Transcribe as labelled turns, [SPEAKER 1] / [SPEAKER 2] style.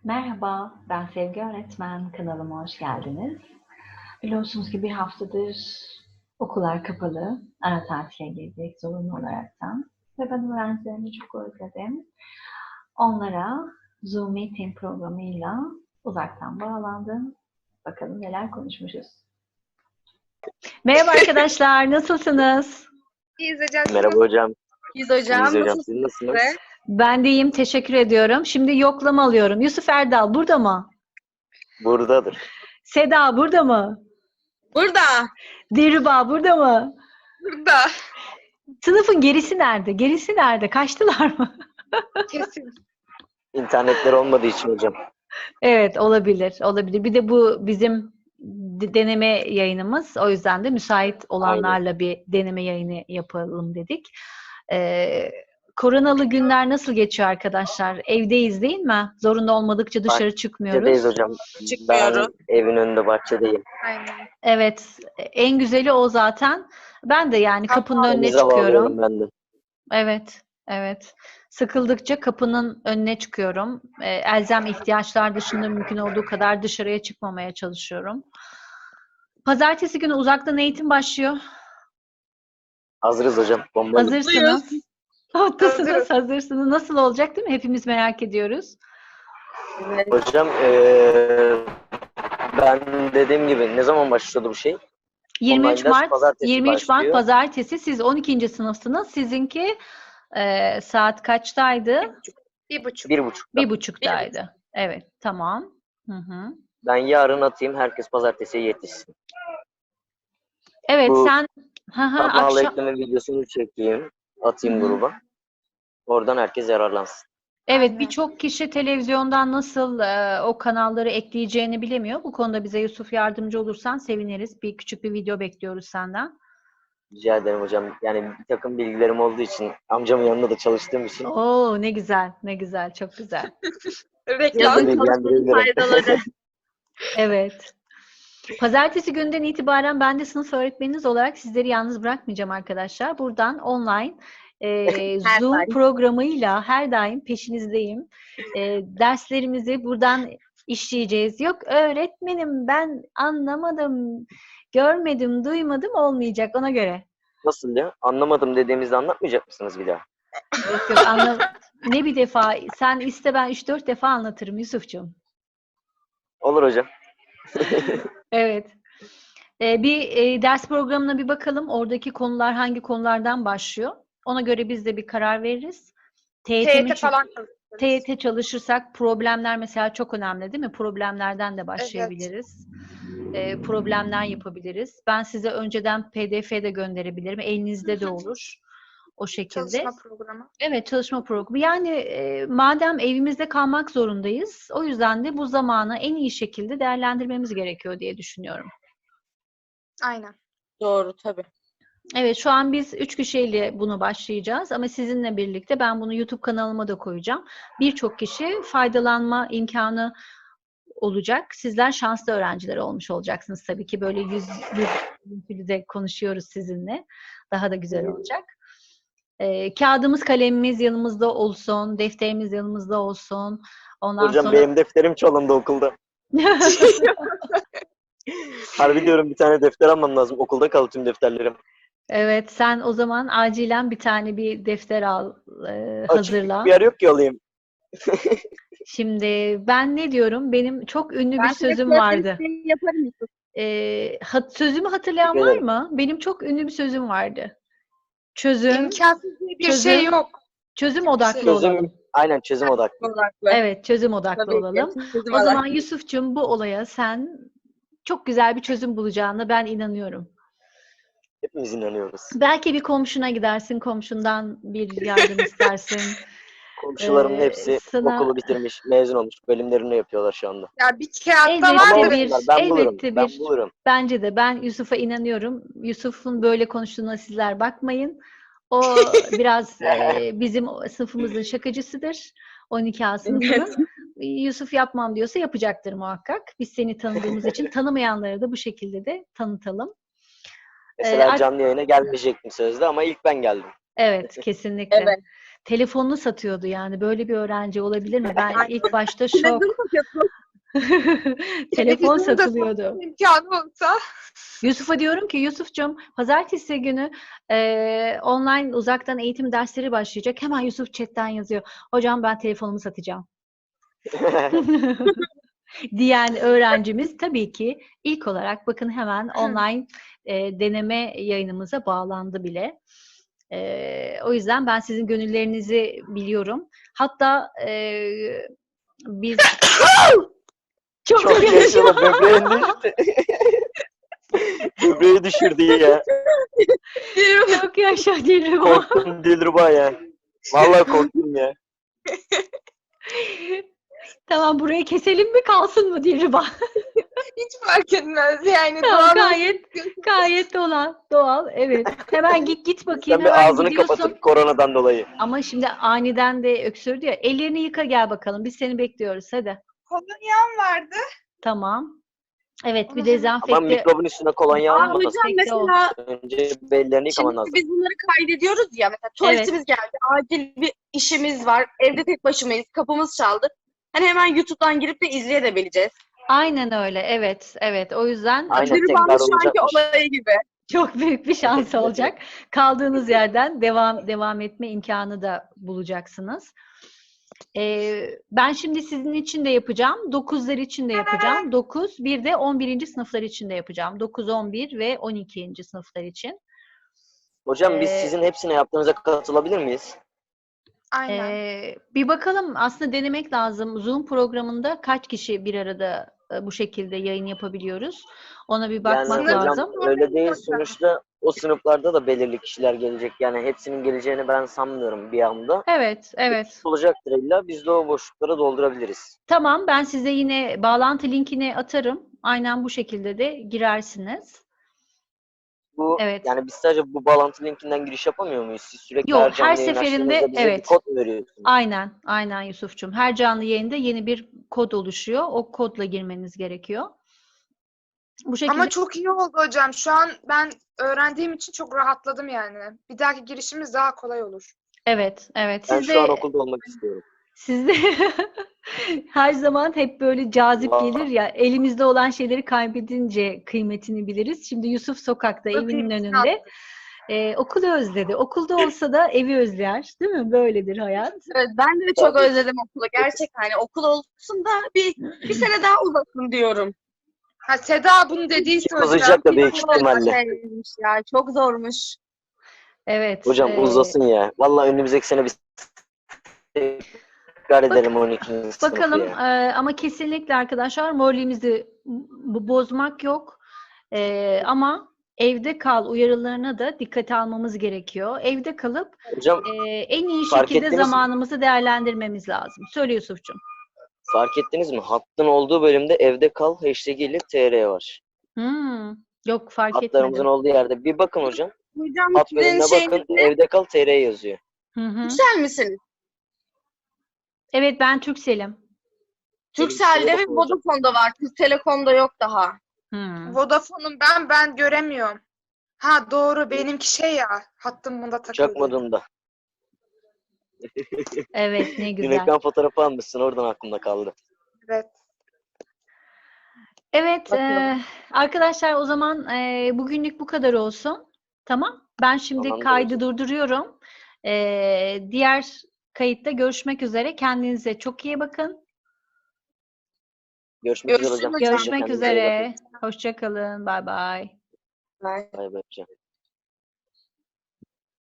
[SPEAKER 1] Merhaba, ben Sevgi Öğretmen. Kanalıma hoş geldiniz. Biliyorsunuz ki bir haftadır okullar kapalı. Ara tatile girdik zorunlu olaraktan. Ve ben öğrencilerimi çok özledim. Onlara Zoom Meeting programıyla uzaktan bağlandım. Bakalım neler konuşmuşuz. Merhaba arkadaşlar, nasılsınız?
[SPEAKER 2] İyiyiz hocam.
[SPEAKER 3] Merhaba hocam.
[SPEAKER 2] İyiyiz hocam.
[SPEAKER 3] İyiyiz hocam.
[SPEAKER 2] Nasılsınız
[SPEAKER 3] Siz nasılsınız?
[SPEAKER 2] size?
[SPEAKER 1] Ben de iyiyim, teşekkür ediyorum. Şimdi yoklama alıyorum. Yusuf Erdal burada mı?
[SPEAKER 3] Buradadır.
[SPEAKER 1] Seda burada mı?
[SPEAKER 2] Burada.
[SPEAKER 1] Dilruba burada mı?
[SPEAKER 2] Burada.
[SPEAKER 1] Sınıfın gerisi nerede? Gerisi nerede? Kaçtılar mı?
[SPEAKER 2] Kesin.
[SPEAKER 3] İnternetleri olmadığı için hocam.
[SPEAKER 1] Evet, olabilir. Olabilir. Bir de bu bizim deneme yayınımız. O yüzden de müsait olanlarla bir deneme yayını yapalım dedik. Koronalı günler nasıl geçiyor arkadaşlar? Evdeyiz değil mi? Zorunda olmadıkça dışarı çıkmıyoruz.
[SPEAKER 3] Bahçedeyiz hocam.
[SPEAKER 2] Çıkmıyoruz.
[SPEAKER 3] Ben evin önünde bahçedeyim.
[SPEAKER 2] Aynen.
[SPEAKER 1] Evet, en güzeli o zaten. Ben de yani kapının önüne
[SPEAKER 3] Denize
[SPEAKER 1] çıkıyorum.
[SPEAKER 3] bağlıyorum ben de.
[SPEAKER 1] Evet, evet. Sıkıldıkça kapının önüne çıkıyorum. Elzem ihtiyaçlar dışında mümkün olduğu kadar dışarıya çıkmamaya çalışıyorum. Pazartesi günü uzaktan eğitim başlıyor.
[SPEAKER 3] Hazırız hocam. Bombayız.
[SPEAKER 1] Hazırsınız. Haklısınız,
[SPEAKER 2] Hazırız.
[SPEAKER 1] hazırsınız. Nasıl olacak değil mi? Hepimiz merak ediyoruz.
[SPEAKER 2] Evet.
[SPEAKER 3] Hocam ben dediğim gibi ne zaman başlıyordu bu şey?
[SPEAKER 1] 23
[SPEAKER 3] Online ders
[SPEAKER 1] Mart,
[SPEAKER 3] pazartesi
[SPEAKER 1] 23 Mart
[SPEAKER 3] başlıyor.
[SPEAKER 1] pazartesi. Siz 12. sınıfsınız. Sizinki saat kaçtaydı?
[SPEAKER 2] 1,5.
[SPEAKER 3] 1.30'da.
[SPEAKER 1] 1.30'daydı. Evet, tamam. Hı hı.
[SPEAKER 3] Ben yarın atayım. Herkes pazartesiye yetişsin.
[SPEAKER 1] Evet,
[SPEAKER 3] Bu
[SPEAKER 1] sen
[SPEAKER 3] Kanal
[SPEAKER 1] akşam.
[SPEAKER 3] ekleme videosunu çekeyim. Atayım
[SPEAKER 1] Hı hı.
[SPEAKER 3] gruba. Oradan herkes yararlansın.
[SPEAKER 1] Evet,
[SPEAKER 2] Aynen.
[SPEAKER 1] birçok kişi televizyondan nasıl o kanalları ekleyeceğini bilemiyor. Bu konuda bize Yusuf yardımcı olursan seviniriz. Küçük bir video bekliyoruz senden.
[SPEAKER 3] Rica ederim hocam. Yani bir takım bilgilerim olduğu için, amcamın yanında da çalıştığım için
[SPEAKER 1] Oo, ne güzel, ne güzel, çok güzel.
[SPEAKER 2] Reklam.
[SPEAKER 1] Yazın
[SPEAKER 3] bilgilendirebilirim.
[SPEAKER 2] Faydaları.
[SPEAKER 1] Evet. Pazartesi günden itibaren ben de sınıf öğretmeniniz olarak sizleri yalnız bırakmayacağım arkadaşlar. Buradan online
[SPEAKER 2] Her
[SPEAKER 1] Zoom
[SPEAKER 2] daim.
[SPEAKER 1] programıyla her daim peşinizdeyim. Derslerimizi buradan işleyeceğiz. Yok öğretmenim ben anlamadım, görmedim, duymadım olmayacak ona göre.
[SPEAKER 3] Nasıl ya? Anlamadım dediğimizde anlatmayacak mısınız bir daha?
[SPEAKER 1] Yok yok ne bir defa sen iste ben 3-4 defa anlatırım Yusufcuğum.
[SPEAKER 3] Olur hocam.
[SPEAKER 1] Evet. Bir ders programına bir bakalım. Oradaki konular hangi konulardan başlıyor? Ona göre biz de bir karar veririz.
[SPEAKER 2] TYT falan çalışıyoruz.
[SPEAKER 1] TYT çalışırsak problemler mesela çok önemli değil mi? Problemlerden de
[SPEAKER 2] Evet.
[SPEAKER 1] başlayabiliriz. Problemler yapabiliriz. Ben size önceden PDF de gönderebilirim. Elinizde de olur. O şekilde.
[SPEAKER 2] Çalışma programı.
[SPEAKER 1] Evet, çalışma programı. Yani madem evimizde kalmak zorundayız, o yüzden de bu zamanı en iyi şekilde değerlendirmemiz gerekiyor diye düşünüyorum.
[SPEAKER 2] Aynen. Doğru tabii.
[SPEAKER 1] Evet, şu an biz 3 kişiyle bunu başlayacağız ama sizinle birlikte ben bunu YouTube kanalıma da koyacağım. Birçok kişi faydalanma imkanı olacak. Sizler şanslı öğrenciler olmuş olacaksınız tabii ki. Böyle yüz de konuşuyoruz sizinle. Daha da güzel olacak. Kağıdımız, kalemimiz yanımızda olsun, defterimiz yanımızda olsun. Ondan
[SPEAKER 3] Hocam
[SPEAKER 1] sonra
[SPEAKER 3] benim defterim çalındı okulda. Harbi diyorum bir tane defter almam lazım. Okulda kaldı tüm defterlerim.
[SPEAKER 1] evet, sen o zaman acilen bir defter al, hazırla.
[SPEAKER 3] Açık bir yer yok ki alayım.
[SPEAKER 1] Şimdi ben ne diyorum? Benim çok ünlü bir sözüm
[SPEAKER 2] Ben
[SPEAKER 1] vardı.
[SPEAKER 2] yaparım Yusuf.
[SPEAKER 1] Sözümü hatırlayan
[SPEAKER 3] Teşekkür
[SPEAKER 1] var
[SPEAKER 3] ederim.
[SPEAKER 1] mı? Benim çok ünlü bir sözüm vardı. Çözüm,
[SPEAKER 2] İmkansız diye bir
[SPEAKER 1] çözüm,
[SPEAKER 2] şey yok.
[SPEAKER 1] çözüm odaklı
[SPEAKER 2] Çözüm
[SPEAKER 1] olalım.
[SPEAKER 3] Aynen çözüm odaklı.
[SPEAKER 2] Odaklı.
[SPEAKER 1] Evet, çözüm odaklı
[SPEAKER 2] Tabii ki.
[SPEAKER 1] olalım.
[SPEAKER 2] Çözüm
[SPEAKER 1] O zaman
[SPEAKER 2] odaklı.
[SPEAKER 1] Yusuf'cum bu olaya sen çok güzel bir çözüm bulacağına ben inanıyorum.
[SPEAKER 3] Hepimiz inanıyoruz.
[SPEAKER 1] Belki bir komşuna gidersin, komşundan bir yardım istersin.
[SPEAKER 3] Komşularımın hepsi
[SPEAKER 1] Sana
[SPEAKER 3] okulu bitirmiş, mezun olmuş. Bölümlerini yapıyorlar şu anda.
[SPEAKER 2] Ya bir kağıtta
[SPEAKER 1] elbette
[SPEAKER 3] Ama
[SPEAKER 2] vardır.
[SPEAKER 1] bir,
[SPEAKER 3] olsunlar. Ben bulurum.
[SPEAKER 1] elbette
[SPEAKER 3] Ben
[SPEAKER 1] bir.
[SPEAKER 3] bulurum.
[SPEAKER 1] Bence de ben Yusuf'a inanıyorum. Yusuf'un böyle konuştuğuna sizler bakmayın. O biraz bizim sınıfımızın şakacısıdır. 12A sınıfının. Yusuf yapmam diyorsa yapacaktır muhakkak. Biz seni tanıdığımız için tanımayanları da bu şekilde de tanıtalım.
[SPEAKER 3] Mesela canlı yayına gelmeyecektim sözde ama ilk ben geldim.
[SPEAKER 1] Evet, kesinlikle.
[SPEAKER 2] Evet.
[SPEAKER 1] telefonunu satıyordu yani. Böyle bir öğrenci olabilir mi? Ben ilk başta şok.
[SPEAKER 2] Televizyon satıyorsun.
[SPEAKER 1] Telefon
[SPEAKER 2] Televizyonu da
[SPEAKER 1] satılıyordu.
[SPEAKER 2] satma imkanı olsa.
[SPEAKER 1] Yusuf'a diyorum ki Yusuf'cum pazartesi günü online uzaktan eğitim dersleri başlayacak. Hemen Yusuf chatten yazıyor. Hocam ben telefonumu satacağım. Diyen öğrencimiz tabii ki ilk olarak bakın hemen online deneme yayınımıza bağlandı bile. O yüzden ben sizin gönüllerinizi biliyorum. Hatta biz
[SPEAKER 3] Çok yaşadı. Böbreğin düştü. Böbreği düşürdü ya.
[SPEAKER 1] çok yaşa Dilruba.
[SPEAKER 3] Korktum Dilruba ya. Vallahi korktum ya.
[SPEAKER 1] Tamam burayı keselim mi kalsın mı Dilruba?
[SPEAKER 2] Hiç fark etmez yani.
[SPEAKER 1] Tamam,
[SPEAKER 2] Doğal
[SPEAKER 1] gayet doğal. Evet. Hemen git bakayım.
[SPEAKER 3] Sen bir
[SPEAKER 1] Hemen
[SPEAKER 3] ağzını
[SPEAKER 1] gidiyorsun.
[SPEAKER 3] kapatıp koronadan dolayı.
[SPEAKER 1] Ama şimdi aniden de öksürdü ya. Ellerini yıka gel bakalım. Biz seni bekliyoruz. Hadi.
[SPEAKER 2] kolonyam vardı.
[SPEAKER 1] Tamam. Evet bir
[SPEAKER 2] Onu
[SPEAKER 3] Ama
[SPEAKER 1] dezenfekte.
[SPEAKER 3] mikrobun üstüne kolonya
[SPEAKER 2] Aa,
[SPEAKER 3] almasın.
[SPEAKER 2] hocam
[SPEAKER 1] Dezenfekte ol.
[SPEAKER 2] mesela
[SPEAKER 3] Önce bellerini yıkaman
[SPEAKER 2] şimdi
[SPEAKER 3] lazım.
[SPEAKER 2] biz bunları kaydediyoruz ya. Mesela tuvaletimiz geldi. Acil bir işimiz var. Evde tek başımayız. Kapımız çaldı. Hani hemen YouTube'dan girip de izleyebileceğiz.
[SPEAKER 1] Aynen öyle. Evet. O yüzden
[SPEAKER 3] Aynen,
[SPEAKER 2] Dürüm
[SPEAKER 3] tekrar
[SPEAKER 2] almış şu anki
[SPEAKER 3] olacakmış.
[SPEAKER 2] olayı gibi.
[SPEAKER 1] çok büyük bir şans olacak. Kaldığınız yerden devam etme imkanı da bulacaksınız. Ben şimdi sizin için de yapacağım. 9'lar için de yapacağım. 9, bir de 11. sınıflar için de yapacağım. 9, 11 ve 12. sınıflar için.
[SPEAKER 3] Hocam biz
[SPEAKER 1] Ee,
[SPEAKER 3] sizin hepsine yaptığınıza katılabilir miyiz?
[SPEAKER 2] Aynen.
[SPEAKER 1] Bir bakalım aslında denemek lazım. Zoom programında kaç kişi bir arada bu şekilde yayın yapabiliyoruz? Ona bir bakmak
[SPEAKER 3] Yani hocam
[SPEAKER 1] lazım.
[SPEAKER 3] öyle değil, sonuçta o sınıflarda da belirli kişiler gelecek. Yani hepsinin geleceğini ben sanmıyorum bir anda.
[SPEAKER 1] Evet.
[SPEAKER 3] Olacaktır illa. Biz de o boşlukları doldurabiliriz.
[SPEAKER 1] Tamam, ben size yine bağlantı linkini atarım. Aynen bu şekilde de girersiniz.
[SPEAKER 3] Bu
[SPEAKER 1] Evet.
[SPEAKER 3] yani biz sadece bu bağlantı linkinden giriş yapamıyor muyuz? Siz sürekli
[SPEAKER 1] Yok,
[SPEAKER 3] her canlı
[SPEAKER 1] her
[SPEAKER 3] yayın
[SPEAKER 1] seferinde
[SPEAKER 3] açtığınızda bize bir
[SPEAKER 1] evet.
[SPEAKER 3] kod mu veriyorsunuz?
[SPEAKER 1] Aynen Yusuf'cum. Her canlı yayında yeni bir kod oluşuyor. O kodla girmeniz gerekiyor. Bu şekilde.
[SPEAKER 2] Ama çok iyi oldu hocam. Şu an ben öğrendiğim için çok rahatladım yani. Bir dahaki girişimiz daha kolay olur.
[SPEAKER 1] Evet.
[SPEAKER 3] Ben
[SPEAKER 1] Siz
[SPEAKER 3] şu an
[SPEAKER 1] de
[SPEAKER 3] okulda olmak istiyorum.
[SPEAKER 1] Siz de her zaman hep böyle cazip
[SPEAKER 3] Vallahi.
[SPEAKER 1] gelir ya. Elimizde olan şeyleri kaybedince kıymetini biliriz. Şimdi Yusuf sokakta, evinin
[SPEAKER 2] Kıymetini
[SPEAKER 1] önünde. Okulu özledi. Okulda olsa da evi özler. Değil mi? Böyledir hayat.
[SPEAKER 2] Evet, ben de çok
[SPEAKER 3] Tabii.
[SPEAKER 2] özledim okulu. Gerçekten hani okul olsun da bir sene daha uzasın diyorum. Ha, Seda bunu dediyse
[SPEAKER 3] Çok uzayacak da büyük
[SPEAKER 2] Çok
[SPEAKER 3] ihtimalle.
[SPEAKER 2] şeymiş ya, çok zormuş.
[SPEAKER 1] Evet.
[SPEAKER 3] Hocam uzasın ya. Vallahi önümüzdeki sene biz tekrar edelim 12. sınıfı
[SPEAKER 1] Bakalım
[SPEAKER 3] ya.
[SPEAKER 1] ama kesinlikle arkadaşlar moralimizi bozmak yok. Ama evde kal uyarılarına da dikkate almamız gerekiyor. Evde kalıp
[SPEAKER 3] Hocam
[SPEAKER 1] en iyi
[SPEAKER 3] fark
[SPEAKER 1] şekilde
[SPEAKER 3] ettiniz mi?
[SPEAKER 1] zamanımızı değerlendirmemiz lazım. Söyle Yusuf'cum.
[SPEAKER 3] Fark ettiniz mi? Hattın olduğu bölümde evde kal hashtag ile TR var.
[SPEAKER 1] Yok fark
[SPEAKER 3] Hatlarımızın
[SPEAKER 1] etmedim.
[SPEAKER 3] olduğu yerde. Bir bakın hocam.
[SPEAKER 2] Hocam
[SPEAKER 3] Hat
[SPEAKER 2] sizin
[SPEAKER 3] bölümüne
[SPEAKER 2] şeyiniz
[SPEAKER 3] bakın.
[SPEAKER 2] ne?
[SPEAKER 3] Evde kal TR yazıyor.
[SPEAKER 2] Türksel misiniz?
[SPEAKER 1] Evet ben Turkcell'im.
[SPEAKER 2] Türkcell'de ve
[SPEAKER 3] bakın hocam.
[SPEAKER 2] Vodafone'da var. Türk Telekom'da yok daha.
[SPEAKER 4] Vodafone'um ben göremiyorum. Ha doğru benimki şey ya hattım bunda takıldı.
[SPEAKER 3] Uçak modunda.
[SPEAKER 1] Evet ne
[SPEAKER 3] Dün
[SPEAKER 1] güzel.
[SPEAKER 3] ekran fotoğrafı almışsın, oradan aklımda kaldı.
[SPEAKER 4] Evet.
[SPEAKER 1] Evet
[SPEAKER 2] Bakalım.
[SPEAKER 1] arkadaşlar o zaman bugünlük bu kadar olsun. Tamam. Ben şimdi
[SPEAKER 3] Tamamdır
[SPEAKER 1] kaydı
[SPEAKER 3] hocam.
[SPEAKER 1] durduruyorum. Diğer kayıtta görüşmek üzere. Kendinize çok iyi bakın.
[SPEAKER 3] Görüşmek üzere
[SPEAKER 2] Görüşürüz
[SPEAKER 3] hocam.
[SPEAKER 2] hocam.
[SPEAKER 1] Görüşmek
[SPEAKER 3] Kendinize iyi bakın.
[SPEAKER 1] üzere. Hoşça kalın. Bay bay.
[SPEAKER 2] Bye.
[SPEAKER 3] Bay bay hocam.